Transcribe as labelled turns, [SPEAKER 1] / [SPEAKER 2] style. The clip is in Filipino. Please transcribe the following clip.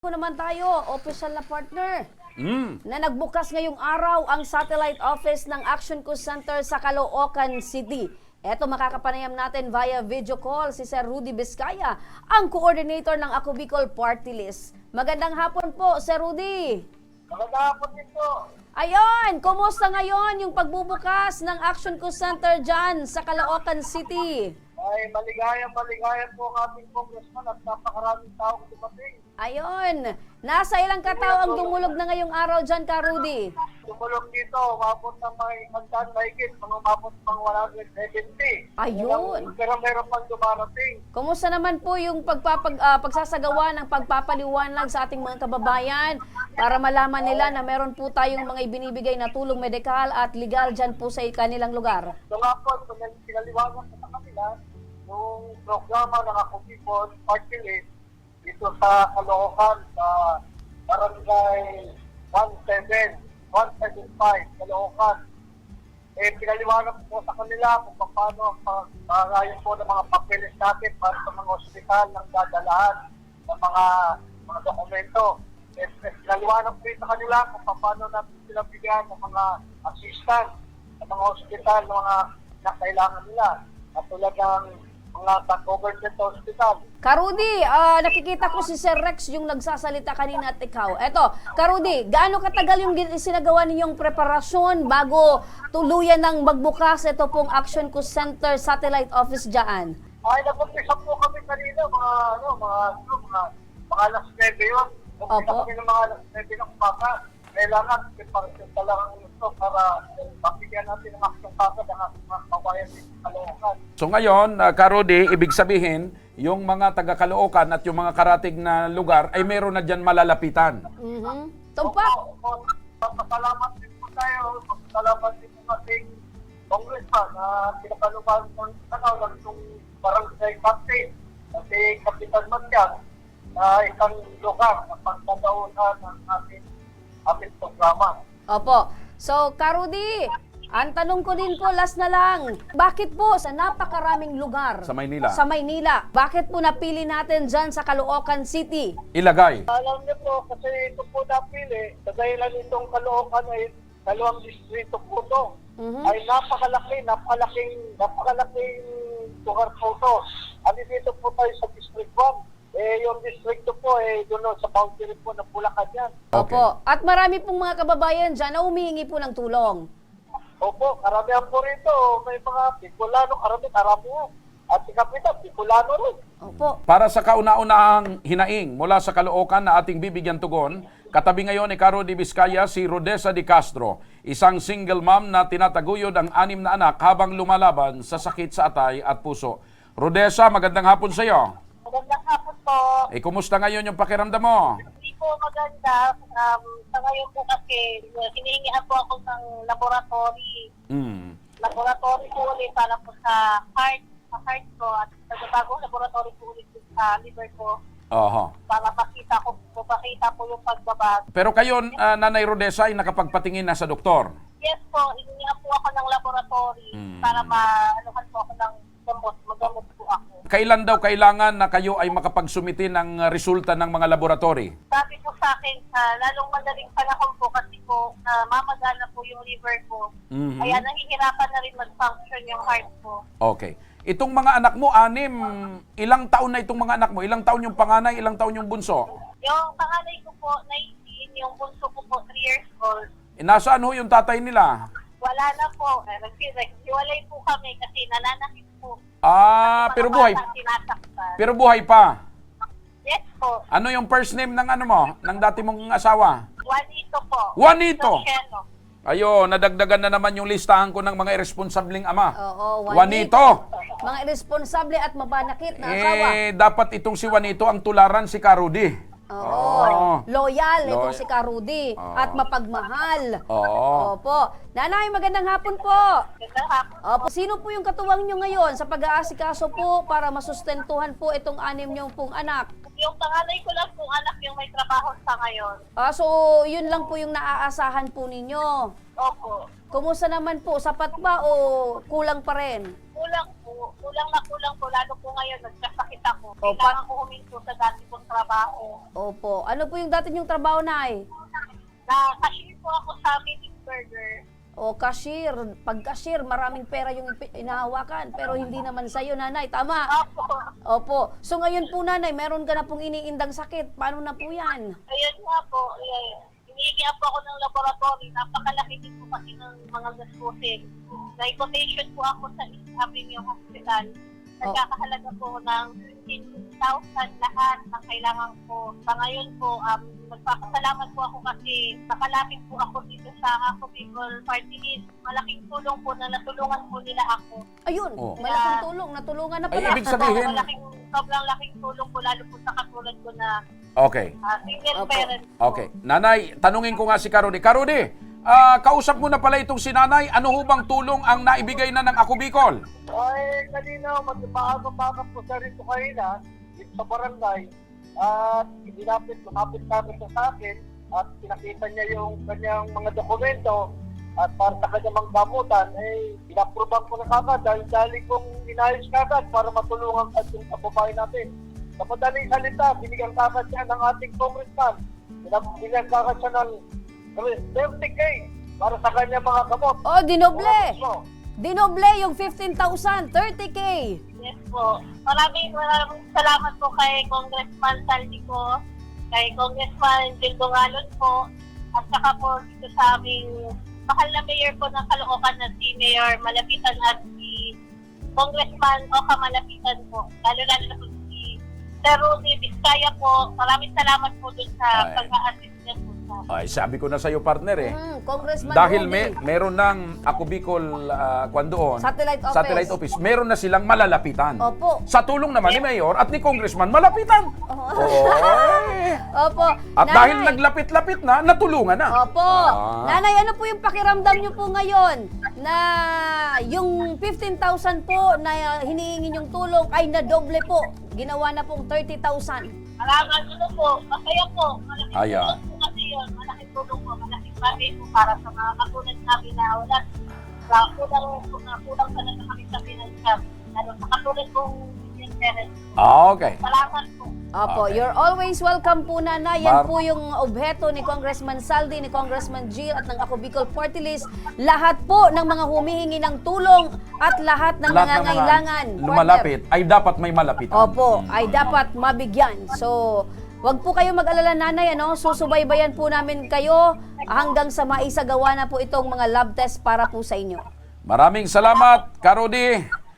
[SPEAKER 1] Naman tayo, official na partner, na nagbukas ngayong araw ang satellite office ng Action Co Center sa Caloocan City. Eto, makakapanayam natin via video call si Sir Rudy Vizcaya, ang coordinator ng Ako Bicol Party List. Magandang hapon po, Sir Rudy.
[SPEAKER 2] Magandang hapon din po.
[SPEAKER 1] Ayun, kumusta ngayon yung pagbubukas ng Action Co Center dyan sa Caloocan City?
[SPEAKER 2] Ay, maligayang po ang ating congressman at napakaraming taong dumating.
[SPEAKER 1] Ayun, nasa ilang katao ang dumulog na ngayong araw dyan, Ka Rudy?
[SPEAKER 2] Tumulong dito, umabot ng mga hagdan mahigit, umabot ng 170.
[SPEAKER 1] Ayun.
[SPEAKER 2] Pero meron pang dumarating.
[SPEAKER 1] Kumusta naman po yung pagsasagawa ng pagpapaliwanag sa ating mga kababayan para malaman nila na meron po tayong mga ibinibigay na tulong medikal at legal dyan po sa kanilang lugar?
[SPEAKER 2] So nga po, pinaliwanag ko sa kanila yung programa ng Ako Bicol Party List dito sa Caloocan, sa Barangay 175, Caloocan. Pinaliwanag po sa kanila kung paano ang pag-aayos po ng mga papeles natin para sa mga ospital ng dadalahan ng mga dokumento. Pinaliwanag po sa kanila kung paano natin sila bigyan ng mga assistance sa mga ospital ng mga nakailangan nila. Katulad ng mga government hospital.
[SPEAKER 1] Ka Rudy, nakikita ko si Sir Rex yung nagsasalita kanina at ikaw. Eto, Ka Rudy, gaano katagal yung sinagawa ninyong preparasyon bago tuluyan ng magbukas ito pong Action Co Center Satellite Office dyan?
[SPEAKER 2] Ay, nag-umpisa po kami kanina, mga alas 9 yun. Nag-umpisa kami ng mga alas 9 ng umaga. Kailangan, preparasyon talagang ito para mabigyan natin ng aksyon kagad ang ating mga kabayan dito sa Caloocan.
[SPEAKER 3] So ngayon, Ka Rudy, ibig sabihin, yung mga taga-Caloocan at yung mga karatig na lugar ay meron na dyan malalapitan.
[SPEAKER 1] Tumpak!
[SPEAKER 2] Pasalamat din po tayo. Pasalamat din po ating congressman na pinakalupan ng tanawag itong barangay captain at si Kapitan Matyan na isang lugar na pagkadaunan ng ating programa.
[SPEAKER 1] Opo. So, Ka Rudy, ang tanong ko din po, last na lang, bakit po sa napakaraming lugar
[SPEAKER 3] Sa Maynila.
[SPEAKER 1] bakit po napili natin dyan sa Caloocan City?
[SPEAKER 3] Ilagay.
[SPEAKER 2] Alam niyo po, kasi ito po napili, sa dahilan itong Caloocan ay dalawang distrito po ito. Ay napakalaking lugar po ito. Ano dito po tayo sa District 1. Yung distrito po, doon sa boundary po ng Bulacan yan.
[SPEAKER 3] Okay.
[SPEAKER 1] Opo. At marami pong mga kababayan dyan na humihingi po ng tulong.
[SPEAKER 2] Opo, karamihan po rito. May mga Bicolano, karamihan. At si Kapitan, Bicolano rin.
[SPEAKER 1] Opo.
[SPEAKER 3] Para sa kauna-unahang hinaing mula sa Caloocan na ating bibigyan tugon, katabi ngayon ni Ka Rudy Vizcaya si Rodessa de Castro, isang single mom na tinataguyod ang 6 na anak habang lumalaban sa sakit sa atay at puso. Rodessa, magandang hapon sa iyo.
[SPEAKER 2] Magandang hapon po.
[SPEAKER 3] Kumusta ngayon yung pakiramdam mo?
[SPEAKER 2] Hindi po maganda. Sa ngayon po kasi, hinihingihan po ako ng laboratory. Laboratory po ulit para po sa heart ko at nagbatagong laboratory po ulit sa liver ko
[SPEAKER 3] Oho.
[SPEAKER 2] para makita po yung pagbabago.
[SPEAKER 3] Pero kayo, Nanay Rodessa, ay nakapagpatingin na sa doktor?
[SPEAKER 2] Yes po, hinihingihan po ako ng laboratory para maanuhan po ako ng magamot po ako.
[SPEAKER 3] Kailan daw kailangan na kayo ay makapagsumiti ng resulta ng mga laboratory?
[SPEAKER 2] Sabi po sa akin, lalong madaling panahon po kasi po mamagana po yung liver ko. Kaya nahihirapan na rin mag-function yung heart ko.
[SPEAKER 3] Okay. Itong mga anak mo, 6, ilang taon na itong mga anak mo? Ilang taon yung panganay, ilang taon yung bunso?
[SPEAKER 2] Yung panganay ko po, 19, yung bunso ko po, 3 years old.
[SPEAKER 3] Nasaan ho yung tatay nila?
[SPEAKER 2] Wala na po. Naghiwalay po kami kasi nananakit po.
[SPEAKER 3] Pero buhay.
[SPEAKER 2] Sinasaktan.
[SPEAKER 3] Pero buhay pa.
[SPEAKER 2] Yes po.
[SPEAKER 3] Ano yung first name ng ano mo, ng dati mong asawa?
[SPEAKER 2] Juanito po.
[SPEAKER 3] Juanito.
[SPEAKER 2] Luciano.
[SPEAKER 3] Ayo, nadagdagan na naman yung listahan ko ng mga irresponsabling ama.
[SPEAKER 1] Oo,
[SPEAKER 3] Juanito.
[SPEAKER 1] Mga irresponsable at mabanakit na asawa.
[SPEAKER 3] Dapat itong si Juanito ang tularan si Ka Rudy.
[SPEAKER 1] Oo. Loyal itong si Ka Rudy at mapagmahal.
[SPEAKER 3] Oo.
[SPEAKER 1] Opo. Nanay, magandang hapon po.
[SPEAKER 2] Ganda hapon.
[SPEAKER 1] Opo. Sino po yung katuwang nyo ngayon sa pag-aasikaso po para masustentuhan po itong 6 nyo pong anak?
[SPEAKER 2] Yung panganay ko lang pong anak yung may trabaho sa ngayon.
[SPEAKER 1] So, yun lang po yung naaasahan po ninyo.
[SPEAKER 2] Opo.
[SPEAKER 1] Kumusta naman po? Sapat ba o kulang pa rin?
[SPEAKER 2] Kulang po.
[SPEAKER 4] kulang po, lalo po ngayon, nagkasakit ako.
[SPEAKER 1] Opo.
[SPEAKER 4] Kailangan ko huminto sa dati kong trabaho.
[SPEAKER 1] Opo. Ano po yung dati niyong trabaho, Nay?
[SPEAKER 4] Na cashier po ako sa Meeting Burger.
[SPEAKER 1] O cashier. Pag cashier, maraming pera yung inahawakan. Pero hindi naman sa'yo, Nanay. Tama.
[SPEAKER 4] Opo.
[SPEAKER 1] Opo. So ngayon po, Nanay, meron ka na pong iniindang sakit. Paano na po yan?
[SPEAKER 4] Ayun nga po, hinihingi po ako ng laboratory. Napakalaki din po kasi ng mga gastusin. Na-quotation po ako sa East Avenue Hospital. Nagkakahalaga po ng 15,000 lahat ng kailangan ko. Sa ngayon po, nagpapasalamat po ako kasi nakalapit po ako dito sa Ako People Party List. Malaking tulong po na natulungan po nila ako.
[SPEAKER 1] Ayun,
[SPEAKER 3] Oh.
[SPEAKER 1] malaking tulong. Natulungan na
[SPEAKER 3] Ay,
[SPEAKER 1] pala.
[SPEAKER 3] ibig sabihin,
[SPEAKER 4] Sobrang laking tulong po lalo po sa katulad ko na
[SPEAKER 3] okay.
[SPEAKER 4] single
[SPEAKER 1] Opo.
[SPEAKER 4] parent po.
[SPEAKER 3] Okay. Nanay, tanungin ko nga si Karudi. Karudi, kausap mo na pala itong si Nanay. Ano ho bang tulong ang naibigay na ng Ako Bicol?
[SPEAKER 2] Ay, kanina, maaga-maaga po sa rito kanina, dito sa barangay, at lumapit kami sa akin, at pinakita niya yung kanyang mga dokumento, at para sa kanyang mga gamutan, eh, pinaproban ko na kagad dahil dali kong inayos kagad para matulungan at yung kababae natin. Sa madaling salita, binigyan kagad siya ng ating congressman. Binigyan kagad siya ng 30K para sa kanyang mga gamot.
[SPEAKER 1] Oh, dinoble.
[SPEAKER 2] Mga gusto.
[SPEAKER 1] Dinoble yung 15,000. 30K.
[SPEAKER 4] Yes po. Maraming salamat po kay Congressman Saldico, kay Congressman Jill Dongalon po, at saka po dito sa aming mahal na mayor po ng Caloocan na si Mayor Malapitan at si Congressman Oka Malapitan po. Lalo-lalo na po si Sir Rudy Vizcaya po. Maraming salamat po dun sa
[SPEAKER 3] Ay.
[SPEAKER 4] pag-a-assist niya po sa
[SPEAKER 3] Ay, sabi ko na sa iyo, partner eh.
[SPEAKER 1] Congressman
[SPEAKER 3] Dahil
[SPEAKER 1] Rudy.
[SPEAKER 3] meron ng Ako Bicol kwan doon,
[SPEAKER 1] Satellite office.
[SPEAKER 3] meron na silang malalapitan.
[SPEAKER 1] Opo.
[SPEAKER 3] Sa tulong naman ni Mayor at ni Congressman, malapitan. Oy.
[SPEAKER 1] Opo.
[SPEAKER 3] At dahil
[SPEAKER 1] Nanay.
[SPEAKER 3] naglapit-lapit na, natulungan na.
[SPEAKER 1] Opo.
[SPEAKER 3] Ah.
[SPEAKER 1] Nanay, ano po yung pakiramdam niyo po ngayon na yung 15,000 po na hinihingi niyong tulong ay nadoble po? Ginawa na pong 30,000.
[SPEAKER 4] Maraming tulong po. Masaya po. Malaking
[SPEAKER 3] Ayan.
[SPEAKER 4] tulong po kasi yun. Malaking tulong po. Malaking bagay po para sa mga katulad namin na wala. Kulang talaga kami sa financial. Lalo sa katulad kong single parent.
[SPEAKER 3] Okay.
[SPEAKER 4] Salamat po.
[SPEAKER 1] Opo,
[SPEAKER 3] Okay.
[SPEAKER 1] you're always welcome po, Nanay. Yan
[SPEAKER 3] Mar-
[SPEAKER 1] po yung obheto ni Congressman Saldi, ni Congressman Jill at ng Ako Bicol Party List. Lahat po ng mga humihingi ng tulong at lahat ng
[SPEAKER 3] Lahat ng mga
[SPEAKER 1] nangangailangan.
[SPEAKER 3] lumalapit ay dapat may malapitan.
[SPEAKER 1] Opo, ay dapat mabigyan. So, wag po kayo mag-alala, Nanay, ano? Susubaybayan po namin kayo hanggang sa maisagawa na po itong mga lab test para po sa inyo.
[SPEAKER 3] Maraming salamat, Karudi.